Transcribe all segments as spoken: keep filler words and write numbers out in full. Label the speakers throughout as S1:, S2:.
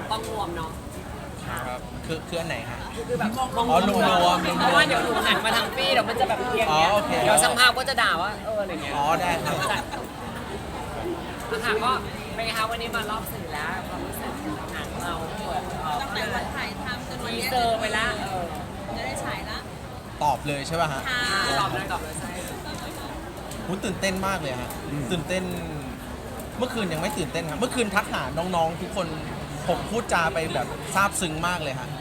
S1: ต้องรวมเนาะ
S2: ครับคือคืออันไหนฮะ
S1: คือแบบมอง
S2: อ๋อรวมๆ
S1: เพราะว่าเดี๋ยวหนูหันมาทางพี่เดี๋ยวมันจะแบบเอียง
S2: อ๋อ
S1: เงี้ย
S2: โอเค
S1: เดี๋ยวช่างภาพก็จะด่าว่าเอออะไรเงี้ย
S2: อ๋อได้ครับ
S1: ค่ะก็เป็นไงคะวันนี้มารอบสื่อแล้วความรู้สึกหนังเราเปิดเอ่อ
S3: ตั้งแต่วันถ่ายทำจนวัน
S1: ที
S3: นี้
S1: เซอร์ไปแล้วเออ
S3: จะได้ฉายละ
S2: ตอบเลยใช่ป่ะฮะ
S3: ค่ะ
S1: ตอบเลยตอบเลยใช่
S2: หูตื่นเต้นมากเลยฮะตื่นเต้นเมื่อคืนยังไม่ตื่นเต้นครับเมื่อคืนทักหาน้องๆทุกคนผมพูดจาไปแบบซาบซึ้งมากเลยฮะ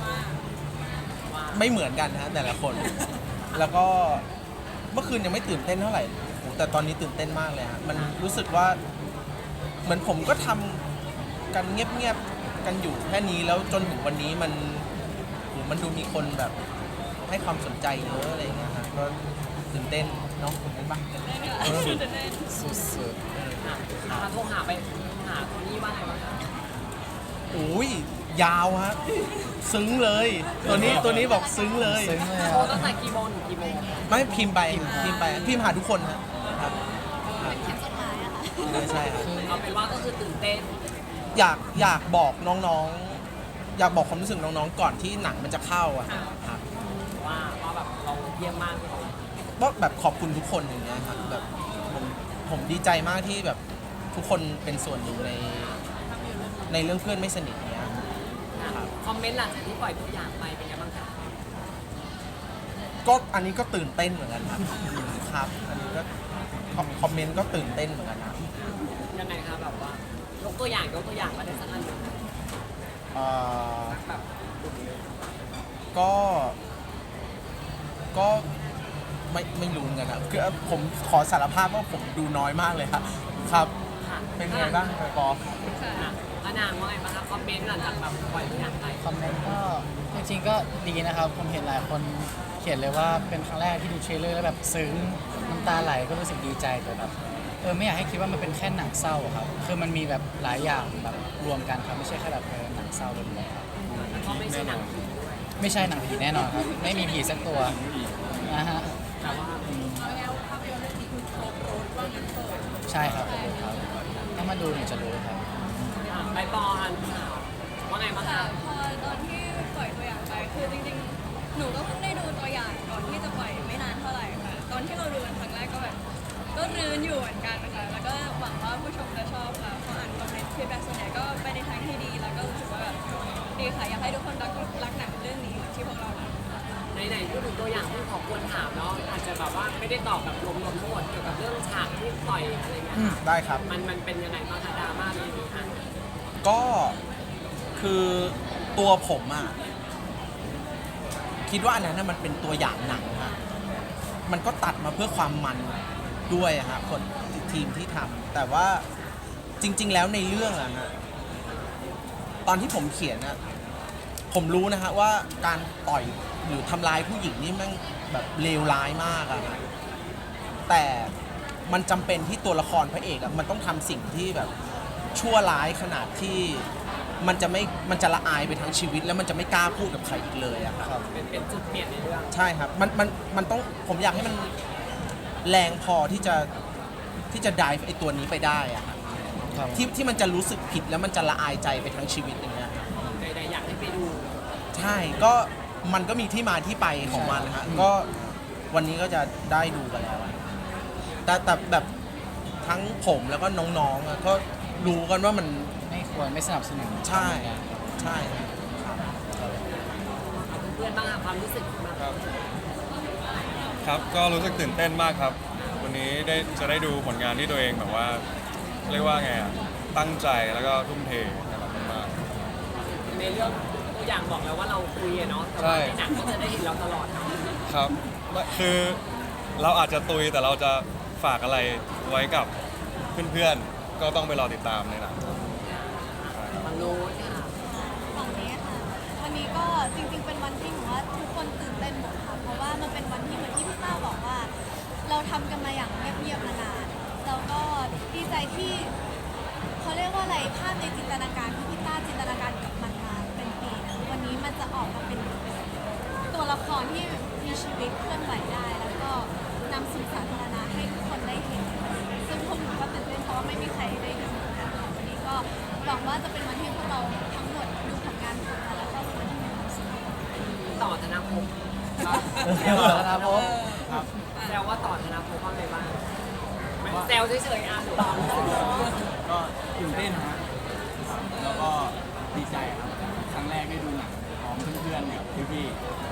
S2: ไม่เหมือนกันฮะแต่ละคน แล้วก็เมื่อคืนยังไม่ตื่นเต้นเท่าไหร่โหแต่ตอนนี้ตื่นเต้นมากเลยฮะมันรู้สึกว่าเหมือนผมก็ทำกันเงียบๆกันอยู่แค่นี้แล้วจนถึงวันนี้มันโหมันดูมีคนแบบให้ความสนใจเยอะอะไรอย่างเงี้ยฮะก็ตื่นเต้นเนาะเห็นปะ สุด
S1: ค่ะมาโทรหาไปหาคนนี้ว่าไงบ้างคะ
S2: ๆอุ้ยยาวฮะซึ้งเลย ตัวนี้ตัวนี้บอกซึ้งเลย
S1: โทรตั้งแต่กี่โมงถึงกี่โมง
S2: ไม่พิมพ์ไปพิมพ์ไปพิมพ์หาทุกคนฮะครับ
S3: เป็นแคปจดหมายอะค่ะ
S2: ใช่ครับ
S1: เอาเป็นว่าก็คือตื่นเต้น
S2: อยากอยากบอกน้องๆ อยากบอกความรู้สึกน้องๆ ก่อนที่หนังมันจะเข้าอะครับ
S1: ว่าว่าแบบเราเยี่ยมมากเลย
S2: ก็แบบขอบคุณทุกคนอย่างเงี้ยครับแบบผมผมดีใจมากที่แบบทุกคนเป็นส่วนหนึ่งในในเรื่องเพื่อนไม่สนิทเนี้ย
S1: คอมเมนต์หลังจากที่ปล่อยตัวอย่างไปเป็นไงบ้างคะ
S2: ก็อันนี้ก็ตื่นเต้นเหมือนกันครับครับ อันนี้ก็คอมเมนต์ก็ตื่นเต้นเหมือนกันนะ
S1: ยังไงคะแบบว่ายกตัวอย่างยกตัวอย่างมาได้สักอันหนึ่ง
S2: เอ่อ
S1: แบบ
S2: ก็ ก็ไม่ไม่รู้เหมือนกันครับคือผมขอสารภาพว่าผมดูน้อยมากเลยครับครับ
S1: ค่ะ
S2: เป็นไงบ้างปอ
S1: ค่ะพระนางว่าไงบ้างคะคอมเมนต์หลังจากแบบปล่อยตัวอย่างไป
S4: คอมเมนต์ก็จริงๆก็ดีนะครับ ผมเห็นหลายคนเขียนเลยว่าเป็นครั้งแรกที่ดูเทรลเลอร์แล้วแบบซึ้งน้ำตาไหลก็รู้สึกดีใจแต่แบบเออไม่อยากให้คิดว่ามันเป็นแค่หนังเศร้าอะครับคือมันมีแบบหลายอย่างแบบรวมกันครับไม่ใช่แค่แบบเออหนังเศร้าล้วนๆครับ
S1: แล้วก็ไม่ใช่หนังผีด้วย
S4: ไม่ใช่หนังผีแน่นอนครับไม่มีผีสักตัวนะฮะ
S1: แต่ว่า
S4: ใช่ครับครับถ้ามาดูเนี่ยจะรู้ครับ
S1: อ่ะใบปออันข่าวว่าไงบ้าง
S3: ค่ะ
S1: คะ
S3: พอตอนที่ปล่อยตัวอย่างไปคือจริงๆ หนูก็เพิ่งได้ดูตัวอย่างก่อนที่จะปล่อยไม่นานเท่าไหร่ค่ะ ตอนที่เราดูกันครั้งแรกก็แบบก็รื้นอยู่เหมือนกันค่ะ แล้วก็หวังว่าผู้ชมจะชอบค่ะพออ่านคอมเมนต์ฟีดแบ็กส่วนใหญ่ก็ไปในทางที่ดี แล้วก็รู้สึกว่าแบบดีค่ะ อยากให้ทุกคนรักรักหนังเรื่องนี้เหมือนที่พวกเรารัก
S1: ไหนๆพูดถึงตัวอย่างที่ขอควรถามเนาะอาจจะแบบว่าไม่ได้ตอบแบบรวมๆทั้งหมดเกี่ยวกับเรื่องฉากที่ปล่อยอะไรเงี้ย
S2: อืม
S1: ค่ะ
S2: ได้ครับ
S1: มันมันเป็นยังไงบ้างคะดราม่าเรื่องนี้ค่ะ
S2: ก็คือตัวผมอะคิดว่าอันนั้นน่ะมันเป็นตัวอย่างหนังฮะมันก็ตัดมาเพื่อความมันด้วยอะฮะคนทีมที่ทำแต่ว่าจริง ๆ แล้วในเรื่องอะฮะตอนที่ผมเขียนอะผมรู้นะฮะว่าการต่อยหรือทำร้ายผู้หญิงนี่แมันแบบเลวร้ายมากอะฮะแต่มันจำเป็นที่ตัวละครพระเอกอะมันต้องทำสิ่งที่แบบชั่วร้ายขนาดที่มันจะไม่มันจะละอายไปทั้งชีวิต แล้วมันจะไม่กล้าพูดกับใครอีกเลยอะครับ
S1: เป็นเป็นจุดเปลี่ยนในเรื่อง
S2: ใช่ครับ มัน มัน มันต้อง ผมอยากให้มันแรงพอที่จะ ที่จะดิฟไอตัวนี้ไปได้อะครับ
S4: ครับ
S2: ที่ ที่มันจะรู้สึกผิดแล้วมันจะละอายใจไปทั้งชีวิตอย่างเงี้ยครับ
S1: ใดๆอยากให้ไปดู
S2: ใช่ ก็ มันก็มีที่มาที่ไปของมันนะฮะ ก็วันนี้ก็จะได้ดูกันแล้วอะแต่แต่แบบทั้งผมแล้วก็น้องๆอะก็รู้กันว่ามัน
S4: ไม่ควรไม่สนับสนุน
S2: ใช่ ใช่ครับ
S1: เพื่อนๆบ้างค่ะความรู้สึกแบบ
S5: ครับครับก็รู้สึกตื่นเต้นมากครับ วันนี้ได้จะได้ดูผลงานที่ตัวเองแบบว่าเรียกว่าไงอ่ะตั้งใจแล้วก็ทุ่มเทนะครับมาก
S1: ในเรื่องตัวอย่างบอกแล้วว่าเราคุยอะเนาะแต่ว่าในหนังก็จะได้เห็นเราตลอดเนาะ
S5: ๆครับคือเราอาจจะตุยแต่เราจะฝากอะไรไว้กับเพื่อนๆก็ต้องไปรอติดตามในหนัง
S1: บางรู้ค่ะ
S3: ฝั่งนี้ค่ะวันนี้ก็จริงๆเป็นวันที่หนูว่าทุกคนตื่นเต้นหมดค่ะเพราะว่ามันเป็นวันที่เหมือนที่พี่ต้าบอกว่า เราทำกันมาอย่างเงียบๆมานานแล้วก็ดีใจที่เขาเรียกว่าอะไรภาพในจินตนาการที่พี่ต้าจินตนาการกับมันมาเป็นปีนะวันนี้มันจะออกมาเป็นตัวละครที่มีชีวิตเคลื่อนไหวได้ แล้วก็นำสู่สาธารณะให้ทุกคนได้เห็นซึ่งพวกหนูก็ตื่นเต้นเพราะว่าไม่มีใครได้ดูเหมือนกันค่ะวันนี้ก็หวังว่าจะเป็นวันที่พวกเราทั้งหมดดดูผลงานของแต่ละครอบครัวที่มีความสุข
S1: ต่อธนาภพ
S4: เดี๋ยวนะครับผม
S1: แซวว่าต่อธนาภพว่าไงบ้างไม่แซวเฉยๆอ่ะหนูความรู้สึก
S6: ก็ตื่นเต้นฮะครับแล้วก็ดีใจครับ ครั้งแรกได้ดูหนังพร้อมเพื่อนๆกับพี่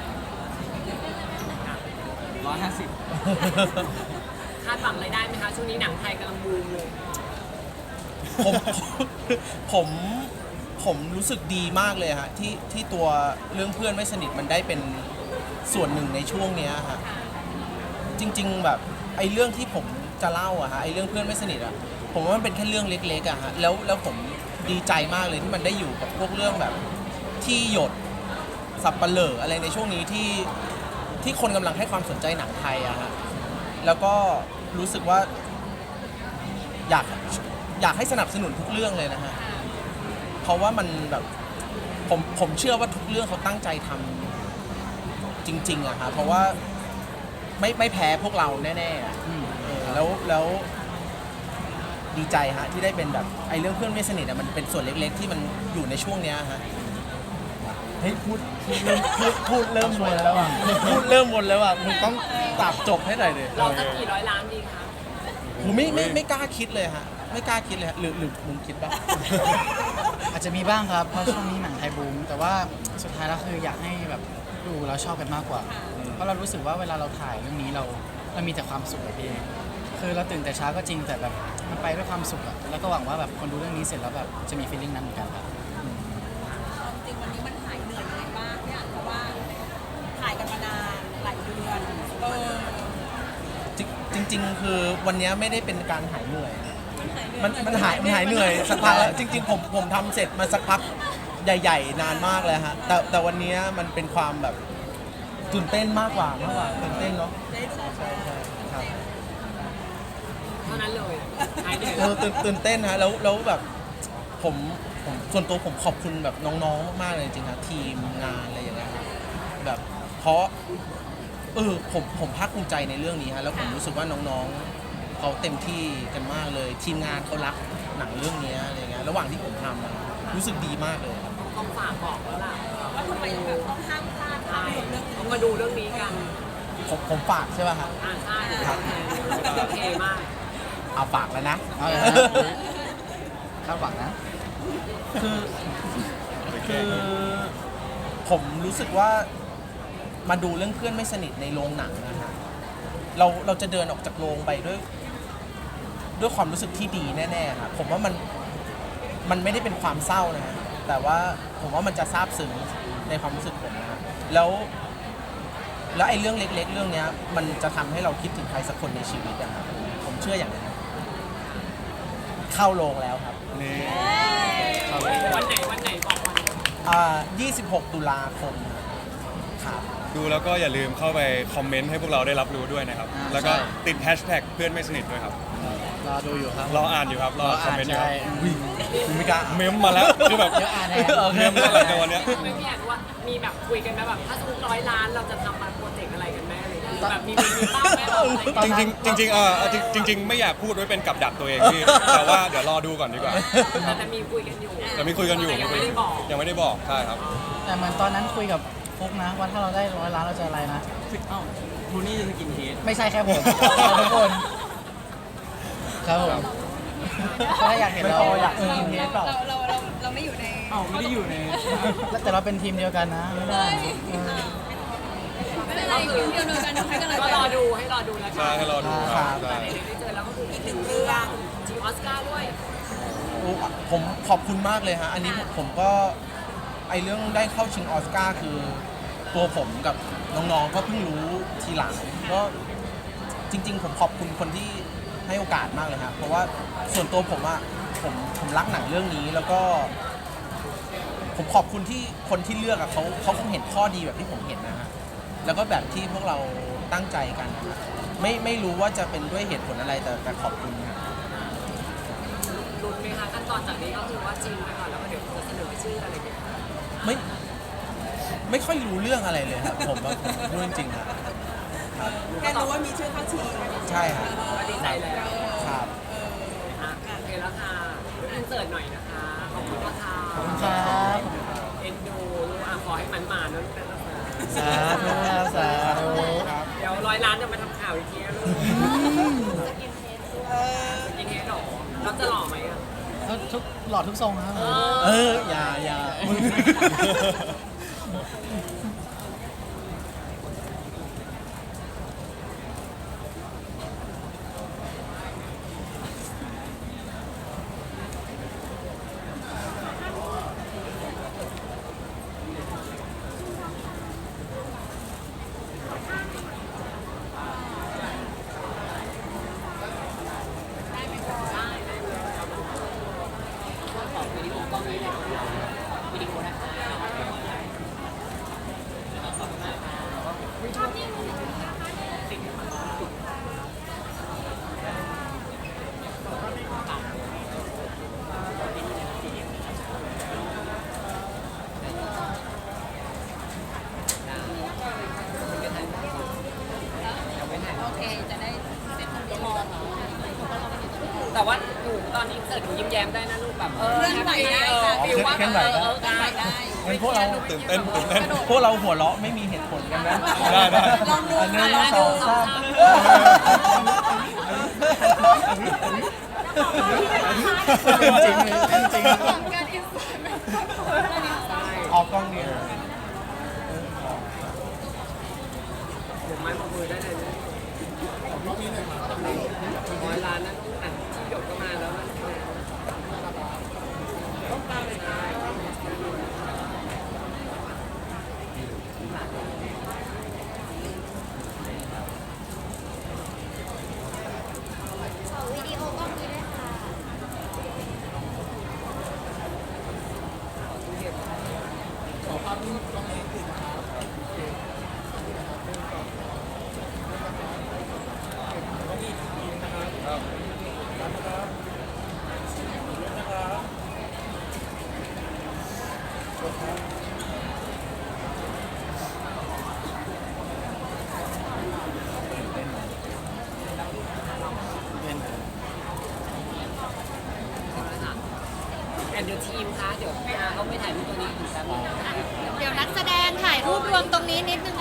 S6: ๆร้อยห้าสิบ
S1: คาดหวังรายได้ไหมคะช่วงนี้หนังไทยกำลังบูมเลย
S2: ผมผมผมรู้สึกดีมากเลยฮะที่ที่ตัวเรื่องเพื่อนไม่สนิทมันได้เป็นส่วนหนึ่งในช่วงเนี้ยฮะจริง ๆ แบบไอ้เรื่องที่ผมจะเล่าอะฮะไอ้เรื่องเพื่อนไม่สนิทอะผมว่ามันเป็นแค่เรื่องเล็กๆอะฮะแล้วแล้วผมดีใจมากเลยที่มันได้อยู่กับพวกเรื่องแบบที่หยดสับปะเหร่ออะไรในช่วงนี้ที่ที่คนกำลังให้ความสนใจหนังไทยอะฮะแล้วก็รู้สึกว่าอยากอยากให้สนับสนุนทุกเรื่องเลยนะฮะเพราะว่ามันแบบผมผมเชื่อว่าทุกเรื่องเขาตั้งใจทำจริงๆอะฮะเพราะว่าไม่ไม่แพ้พวกเราแน่ๆอะเออแล้วแล้วดีใจฮะที่ได้เป็นแบบไอ้เรื่องเพื่อนไม่สนิทอะมันเป็นส่วนเล็กๆ ที่มันอยู่ในช่วงเนี้ยฮะ
S6: เฮ้ยพูดพูดเริ่มพูดพูดเริ่มวนแล้วอ่ะ
S2: พูดเริ่มวนแล้วอ่ะมึงต้องตัดจบให้หน่อยดิ
S1: เราจะกี่ร้อยล้านดีคะ
S2: ผมไม่ไม่ไม่กล้าคิดเลยฮะไม่กล้าคิดเลยฮะหรือหรือมึงคิดป่ะ
S4: อาจจะมีบ้างครับเพราะช่วงนี้หนังไทยบูมแต่ว่าสุดท้ายแล้วคืออยากให้แบบดูแล้วชอบกันมากกว่า เพราะเรารู้สึกว่าเวลาเราถ่ายเรื่องนี้เราเรามีแต่ความสุขอะพี่คือเราตื่นแต่เช้าก็จริงแต่แบบมันไปด้วยความสุขอะแล้วก็หวังว่าแบบคนดูเรื่องนี้เสร็จแล้วแบบจะมีฟีลลิ่งนั้นเหมือนกันครับ
S7: จริงวันนี้มันหายเหนื่อยยังไงบ้างเนี่ยเพราะว่าถ่ายกันมานานหลายเดือนเออ
S2: จริงจริง ๆ คือวันเนี้ยไม่ได้เป็นการหายเหนื่อย
S7: มั
S2: มัน นมันหายมันหายเหนื่อยสักพักแล้วจริง ๆ ผมผมทำเสร็จมาสักพักใหญ่ ๆ นานมากเลยฮะแต่แต่วันเนี้ยมันเป็นความแบบตื่นเต้นมากกว่ามากกว่าตื่นเต้นเนาะ
S7: ได้ดู
S2: ใช่ใช่ครับ
S1: เท่านั้นเลยหายเหนื่อย
S2: เออตื่นตื่นเต้นฮะแล้วแล้วแบบผมผมส่วนตัวผมขอบคุณแบบน้องๆมากๆเลยจริงๆครับทีมงานอะไรอย่างเงี้ยครับแบบเพราะเออผมผมภาคภูมิใจในเรื่องนี้ฮะแล้วผมรู้สึกว่าน้องๆเขาเต็มที่กันมากเลย ทีมงานเขารักหนังเรื่องนี้อะไรเงี้ยระหว่างที่ผมทำอะรู้สึกดีมากเลยครับ
S1: ต้องฝากบอกแล้วล่ะ
S7: ว่าทำไมแบบต้องห้ามพลาดภา
S1: ใช่
S7: พยนตร์เรื่องนี้
S1: ต้องมาดูเรื่องนี้กัน
S2: ผมผมฝากใช่ป่ะฮะ
S1: อ่าใช่โอเคมาก
S2: เอาฝากแล้วนะ
S4: เอาเลยนะคาดหวังนะ
S2: คือคือผมรู้สึกว่ามาดูเรื่องเพื่อนไม่สนิทในโรงหนังนะฮะเราเราจะเดินออกจากโรงไปด้วย ด้วยความรู้สึกที่ดีแน่ๆครับผมว่ามันมันไม่ได้เป็นความเศร้านะฮะแต่ว่าผมว่ามันจะซาบซึ้งในความรู้สึกผมนะฮะแล้ว แล้วไอ้เรื่องเล็ก ๆ เรื่องเนี้ย มันจะทำให้เราคิดถึงใครสักคนในชีวิตอะครับผมเชื่ออย่างนั้นเข้าโรงแล้วครับ
S5: นี่
S1: วันไหนวันไหนบอกวัน
S2: อ่ายี่สิบหกตุลาคมครับ
S5: ดูแล้วก็อย่าลืมเข้าไปคอมเมนต์ให้พวกเราได้รับรู้ด้วยนะครับ
S4: อ่า
S5: แล้วก็
S4: ใช่
S5: ติดแฮชแท็กเพื่อนไม่สนิทด้วยครับ
S4: รอดูอยู่ครับ
S5: รออ่านอยู่ครับรอคอมเมนต์อยู่ครับ
S4: ใช่
S2: คุณไม่กล้า
S5: เมมมาแล้วคือแบบ
S4: เดี๋ยวอ่านแทน
S2: โอเค
S5: เมมมาแล้วในวันเนี้ย
S1: ไม่พี่อยากรู้ว่ามีแบบคุยกันไหมแบบถ้าสมมติร้อยล้านเราจะทำมาโปรเจกต์อะไรกันแม่เลยแบบมีมีบ้างไหมเราอะไร
S5: จริงๆจริงๆเออจริงจริง ๆ ไม่อยากพูดไว้เป็นกับดักตัวเองพี่ แต่ว่าเดี๋ยวรอดูก่อนดีกว่า
S1: แต่จะมีคุยกันอยู่
S5: แต่มีคุยกันอยู่
S1: แต่ยังไม่ได้บอก
S5: ยังไม่ได้บอกใช่ครับ
S4: แต่เหมือนตอนนั้นคุยกับฟุกนะว่าถ้าเราได้ร้อยล้านเราจะอะไรนะ
S6: เอ้าทูนี่จะกินเฮด
S4: ไม่ใช่แค่ผมเราทุกคน ครับผมถ้าอยากเห็นเรา
S2: ไม่พออยาก
S4: เออ
S2: เฮดเปล่า
S7: เราเราเราเราไม่อยู่ใน
S6: เอ้าไม่ได้อยู่ใน
S4: แต่เราเป็นทีมเดียวกันนะไม่ได้นะเออ
S7: ไม่เป็นไรเดี๋ยวเดียวกันให้กำลัง
S1: ก็
S7: ใจ
S1: รอดูให้รอดูแล้วกั
S5: ใช่ให้รอดูครับ
S1: แต่
S5: ใช่
S1: ไหนๆได้เจอแล้วก็คือ
S7: อีกหนึ่งเรื่อง
S1: จิงออสการ์ด้วย
S2: โอ้ผมขอบคุณมากเลยฮะ อันนี้ผมผมก็ไอเรื่องได้เข้าชิงออสการ์คือตัวผมกับน้องๆ ก็เพิ่งรู้ทีหลังก็จริง ๆ ผมขอบคุณคนที่ให้โอกาสมากเลยครับเพราะว่าส่วนตัวผมอะผมผมรักหนังเรื่องนี้แล้วก็ ผมขอบคุณที่คนที่เลือกอะเขาเขาคงเห็นข้อดีแบบที่ผมเห็นนะฮะแล้วก็แบบที่พวกเราตั้งใจกันนะครับไม่ไม่รู้ว่าจะเป็นด้วยเหตุผลอะไรแต่แต่ขอบคุณนะ
S1: ลุ้นไหมคะขั้นตอนจากนี้ก็คือว่าจริงไปก่อนแล้วก็เดี๋ยวจะเสนอชื่ออะไรอย่างเงี้ย
S2: ไม่ไม่ค่อยรู้เรื่องอะไรเลยครับผมว่าผมพูดจริงๆครับ
S7: แค่รู้ว่ามีชื่อเข้าชิง
S2: ใช่ครับ
S1: ก็ดีใจแล้ว
S2: ครับ
S1: อ่ะโอเคแล้วค่ะอินเสิร์ตหน่อยนะคะ ขอบคุณนะคะ
S4: ขอบคุณครับสาธุครับสาธุ
S1: เดี๋ยวร้อยล้านจะมาทำข่าวอีกทีนะลูก
S3: สกินเทสด้วย
S1: กินเฮดหรอเราจะหล่อไหมอ่ะ
S4: ทุกทุกหลอดทุกทรงครับ
S2: เออ อย่าอย่ามึง
S7: โอเค จะได้เซ็ตคนเดียวรอ
S1: แต่ว่าหนูตอนนี้เสิร์ตหนูยิ้มแย้มได้นะลูกแบบเออ
S7: เคลื่อนไหวได้
S1: เออ
S7: ค่ะ
S1: ฟิลว่า
S4: เคลื่อนไหว
S1: เอ
S4: ได้
S1: อเออ
S7: เคลื่อนไหวได้
S2: งั้นพวกเรา
S5: ตื่นเต้นตื่นเต้น
S2: พวกเราหัวเราะไม่มีเหตุผลกันนะ
S5: ได้ได้
S7: ลองดู
S2: อันหนึ่
S7: ค่ะ
S2: ง
S7: ลอง
S2: ส
S7: ดู
S2: องสาม
S4: จริงเลยจริง
S3: ของการอินสตาแกรม
S2: ออกกล้องเดียว
S1: เดี๋ยวไม้มามือได้เลยนะร้อยล้านนะลูกอ่ะที่หยดก็มาแล้วนะต้องตามเลยนะ
S3: ขอวิดีโอกล้องนี้ด้วยค่ะ
S1: แอนเดอร์ทีมคะเดี๋ยวพี่อาเขาไปถ่ายรูปตัวนี้ถึงแป๊บนึงนะ
S3: เดี๋ยวนักแสดงถ่ายรูปรวมตรงนี้นิดนึง